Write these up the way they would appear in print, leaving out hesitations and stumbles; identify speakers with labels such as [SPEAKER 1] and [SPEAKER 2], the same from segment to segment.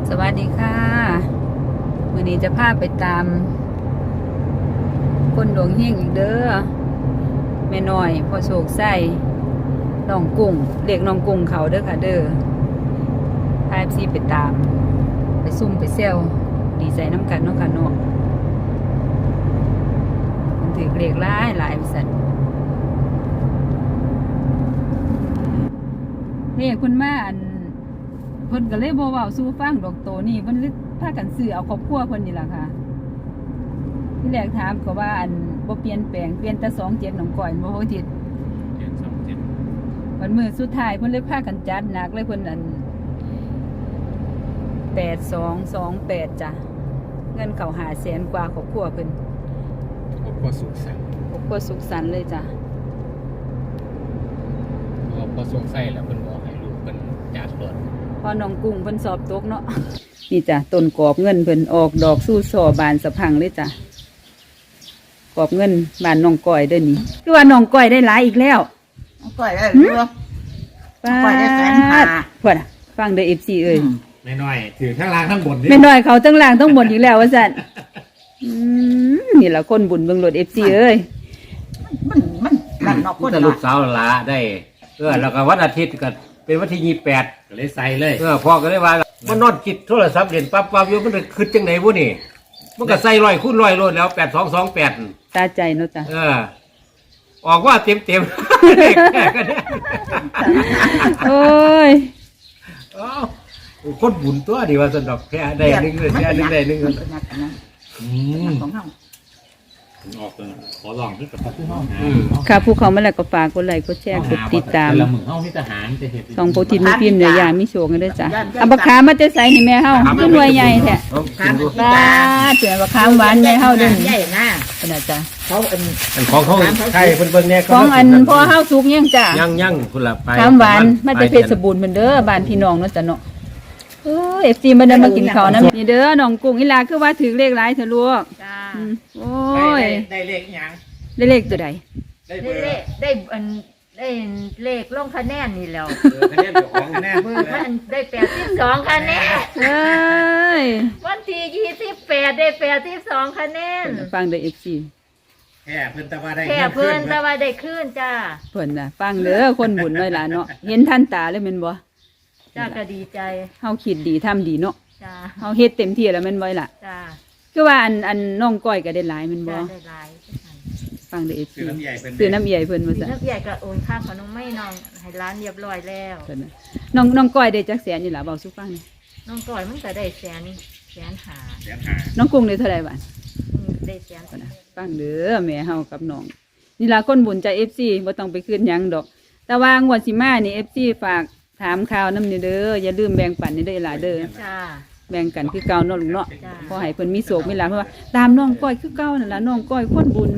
[SPEAKER 1] สวัสดีค่ะวันนี้จะพาไปตามคนดวงเฮงอีกเด้อแม่น้อยพอโศกไส้น้องกุ้งเรียกน้องกุ้งเขาเด้อค่ะเด้อพาซีไปตามไปซุ่มไปเซลดีใจน้ำกันเนาะค่ะเนาะมันถือเรียกหลายบริษัทเรียกคุณมาอันเพิ่นก็เลยบ่เว้าสู่ฟังดอกโตนี่เพิ่นเลยพากันซื้อเอาครอบครัวเพิ่นนี่ล่ะค่ะที่แรกถามก็ว่าอันบ่เปลี่ยนแปลงเปลี่ยนแต่27น้องก้อยบ่ฮู้ทิศ
[SPEAKER 2] เจ็ด27
[SPEAKER 1] วันมื้อสุดท้ายเพิ่นเลยพากันจัดหนักเลยเพิ่นอัน8228จ้ะเงินเข้า500,000กว่าครอบครัวเพิ่น
[SPEAKER 2] ครอบครัวสุขสันต์
[SPEAKER 1] ครอบครัวสุขสันต์เลยจ้ะ
[SPEAKER 2] ครอบครัวสงสัยแล้วเพิ่นบอกให้ลูกเพิ่นจากรถ
[SPEAKER 1] พอน้องกุ้งเพิ่นสอบตกเนาะนี่จ้ะต้นกอบเงินเพิ่นออกดอกสู้ซอบานสะพังเลยจ้ะกอบเงินบานน้องก้อยเด้อนี่คือว่าน้องก้อยได้หลายอีกแล้ว
[SPEAKER 3] น้องก้อยได้หรือเปล่าก้อยได้150,000
[SPEAKER 1] พุ่นฟังเด้อ FC เอ้ย
[SPEAKER 2] แม่น้อยถือทั้งล่างทั้งบน
[SPEAKER 1] แม่น้อยเขาทั้งล่างทั้งบนอีกแล้วว่าซั่นนี่ล่ะคนบุญเบิ่งรถ FC เอ้ย
[SPEAKER 3] มันนั่นเนาะคน
[SPEAKER 2] ลูกสาวหลาได้แล้วก็วันอาทิตย์ก็เป็นวันที่28ก็เลยใส่เลยพ่อก็เลยว่ามันนอนคิดโทรศัพท์เล่นปั๊บอยู่มันคิดจังไหนบ่นี่มันก็ใส่100 คูณ 100โลดแล้ว8228
[SPEAKER 1] ตาใจเนาะจ้ะ
[SPEAKER 2] ออกว่าเต็มก็ได้
[SPEAKER 1] โอ้ย
[SPEAKER 2] คนบุญตัวดีว่าสนดอกแค่ได้นึงเลยแค่นึงได้นึง
[SPEAKER 3] ของเฮา
[SPEAKER 2] ออกขอลองที่กับพวกเฮา
[SPEAKER 1] ค่ะผู้เขามาแล้วก็ฝากกดไลค์กดแชร์กดติดตาม
[SPEAKER 2] ละมื้อเฮามีทหารจะเฮ็ด
[SPEAKER 1] สองโปรตีนมีพิมพ์เนื้อยามีโชคกันด้วยจ้ะเอาบักขามมาจะใส่นี่แม่เฮาคือหน่วยใหญ่แท้บ้าเจ๋อบักขามหวานใหญ่เฮาเด้อ
[SPEAKER 3] ใหญ่นะ
[SPEAKER 1] ขนาดจ้ะ
[SPEAKER 3] เขา
[SPEAKER 2] ของเขาใครเพิ่นแน่
[SPEAKER 1] ของอันพอเฮาสุกยังจ้ะ
[SPEAKER 2] ยังพุ่นละไป
[SPEAKER 1] ขามหวานมาแต่เพชรบูรณ์เพิ่นเด้อบ้านพี่น้องเนาะจ้ะเนาะFC มาเดินมากินข้าวนะนี่เด้อน้องกุ้งอีลาคือว่าถือเลขหลายเถอะลูก
[SPEAKER 3] จ้า
[SPEAKER 1] โอ้ย
[SPEAKER 3] ได้เลขหยัง
[SPEAKER 1] ได้เลขตัวใด
[SPEAKER 3] ได้เลขลงคะแนนนี่แล้ว
[SPEAKER 2] คะแนนของคะแนน
[SPEAKER 3] เบอร์มันได้82คะแนนวันที่28ได้82คะแนน
[SPEAKER 1] ฟังเด้อ FC
[SPEAKER 2] แค่เพิ่นตะว่าได้
[SPEAKER 3] ขึ้นจ้า
[SPEAKER 1] เพิ่นน่ะฟังเด้อคนบุญน้อยหลานเนาะเห็นท่านตาเลยแม่นบ่
[SPEAKER 3] จ้าก็ดีใจ
[SPEAKER 1] เฮาคิดดีทำดีเนาะ
[SPEAKER 3] จ้า
[SPEAKER 1] เฮาเฮ็ดเต็มที่แล้วแม่นบ่ล่ะ
[SPEAKER 3] จ้า
[SPEAKER 1] คือว่าอันน้องก้อยก็ได้หลายแม่นบ่
[SPEAKER 3] ได้หลาย
[SPEAKER 1] ฟังเด้อ FC ซื้อน้ำใหญ่เพิ่นว่าซั่น
[SPEAKER 3] น้ำใหญ่ก็โอนค่าขนมไม่น้องให้ร้านเรียบร้อยแล้ว
[SPEAKER 1] น้องก้อยได้จักแสนนี่ล่ะเว้าสู่ฟังนี่
[SPEAKER 3] น้องก้อยมันก็ได้แสนหา
[SPEAKER 1] น้องกุ้งได้เท่าไหร่บาท
[SPEAKER 3] ได้แสน
[SPEAKER 1] นะฟังเด้อแม่เฮากับน้องนี่ล่ะคนบุญใจ FC บ่ต้องไปคืนหยังดอกแต่ว่างวดสิมานี่ FC ฝากถามข่าวนำนี่เด้ออย่าลืมแบ่งปันนี่เด้อหลายเด้อ
[SPEAKER 3] จ้า
[SPEAKER 1] แบ่งกันคือเก่าเนาะลุงเนาะขอให้เพิ่นมีโชคมีลาภเพราะว่าตามน้องก้อยคือเก่านั่นล่ะน้องก้อยคนบุญ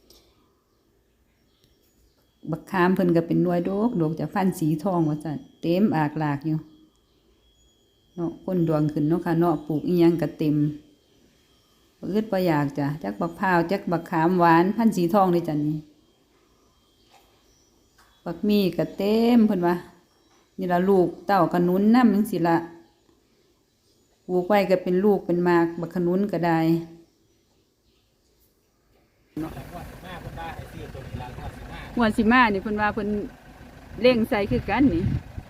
[SPEAKER 1] บักขามเพิ่นก็เป็นหน่วยดอกจากฟันสีทองว่าซั่นเต็มอากลากอยู่เนาะคนดวงขึ้นเนาะค่ะเนาะปลูกอีหยังก็เต็มบ่อึดบ่อยากจ้ะจักบักพร้าวจักบักขามหวานพันสีทองเลยจ้ะนี่บักมีก็เต็มเพิ่นว่านี่ล่ะลูกเต้าขนุนนำจังซี่ล่ะปลูกไว้ก็เป็นลูกเป็นหมากบักขนุนก็ได้งวดสิมานี่เพิ่นว่าเพิ่นเร่งใส่คือกันนี่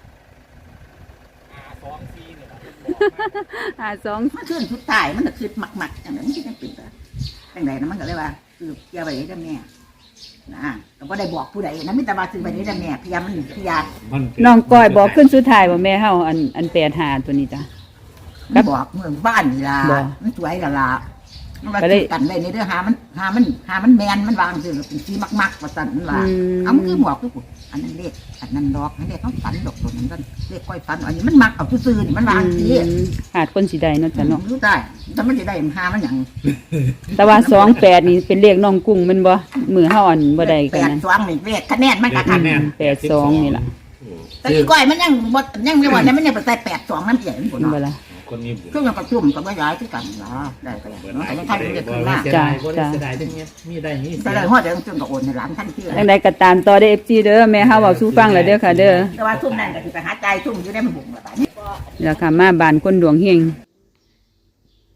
[SPEAKER 3] 52มันขึ้นสุดท้ายมันก็คือหมักจังนั้นมันจะปิดจังได๋นะมันก็เลยว่าคือเกี่ยวไปได้แม่นะก็บ่ได้บอกผู้ใดนะมีแต่ว่าซื้อไปได้แม่พยายาม
[SPEAKER 1] น้องก้อยบอกขึ้นสุดท้ายว่าแม่เฮาอัน85ตัวนี้จ้ะ
[SPEAKER 3] บอกเมืองบ้านนี่ล่ะมันสวยล่ะมันก็กันไว้ในเด้อหามันแมนมันวางซื่อเป็นสีมักว่าซั่นนั่นล่ะเอามันคือบอกคืออันนั้นเลขอันนั้นดอกอันนี้เขาฝันดอกตัวนั้นก็เลขก้อยฝันอันนี้มันมักเอาซื่อๆนี่มันวางสิ
[SPEAKER 1] หาดคนสิได้เนาะจ้ะเนาะ
[SPEAKER 3] รู้ได้แต่มันสิได้หามันหยัง
[SPEAKER 1] แต่ว่า28นี่เป็นเลขน้องกุ้งมันบ่มือเฮาอันบ่ได้กันนั้น
[SPEAKER 3] 82นี่เลขคะแนนมันก็ทัน
[SPEAKER 1] 82นี่ล่ะ
[SPEAKER 3] แต่อีก้อยมันยังบ่ยังไม่ว่ามันยังไปใส่82นำใหญ่มัน
[SPEAKER 1] บ่ล่ะ
[SPEAKER 2] คนมีบุญ
[SPEAKER 3] เครื่องประชุมก็บ่ย้ายคือกันล่ะได้ก็ได้เนาะแต่ท่านจะขึ้นมา
[SPEAKER 1] จ้ะ
[SPEAKER 2] มีได้นี่
[SPEAKER 3] แต่ฮอดเดี๋ยวจึงก็โอนให้หลานท่านที่
[SPEAKER 1] จังได๋ก็ตามต่อได้ FC เด้อแม่เฮาเว้าสู่ฟังแล้วเด้อค่ะเด้อ
[SPEAKER 3] แต่ว่าทุ่มนั้นก็สิไปหาใจทุ่มอยู่ได้มันบุกล่ะบัดนี้
[SPEAKER 1] นี่ล่ะค่ะมาบ้านคนดวงเฮง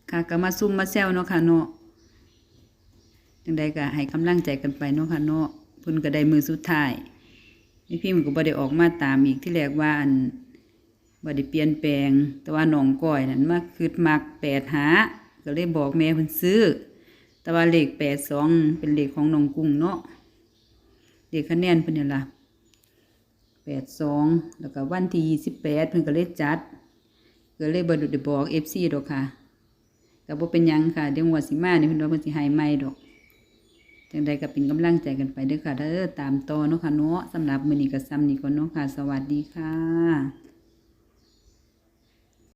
[SPEAKER 1] ค่ะก็มาซุ่มมาแซวเนาะค่ะเนาะจังใดก็ให้กำลังใจกันไปเนาะค่ะเนาะเพิ่นก็ได้มือสุดท้ายนี่พี่มันก็บ่ได้ออกมาตามอีกที่แรกว่าอันบ่ได้เปลี่ยนแปลง แต่ว่าน้องก้อยนั่นมาคิดมัก8หาก็เลยบอกแม่เพิ่นซื้อ แต่ว่าเลข82เป็นเลขของน้องกุ้งเนาะเลขคะแนนเพิ่นนี่ล่ะ82แล้วก็วันที่28เพิ่นก็เลยจัดก็เลยบ่ได้บอก FC ดอกค่ะก็บ่เป็นหยังค่ะเดี๋ยวงวดสิมานี่เพิ่นว่าเพิ่นสิให้ใหม่ดอกจังใดก็เป็นกำลังใจกันไปเด้อค่ะเด้อตามต่อเนาะค่ะเนาะสำหรับมื้อนี้ก็ซ้ำนี้ก่อนเนาะค่ะสวัสดีค่ะ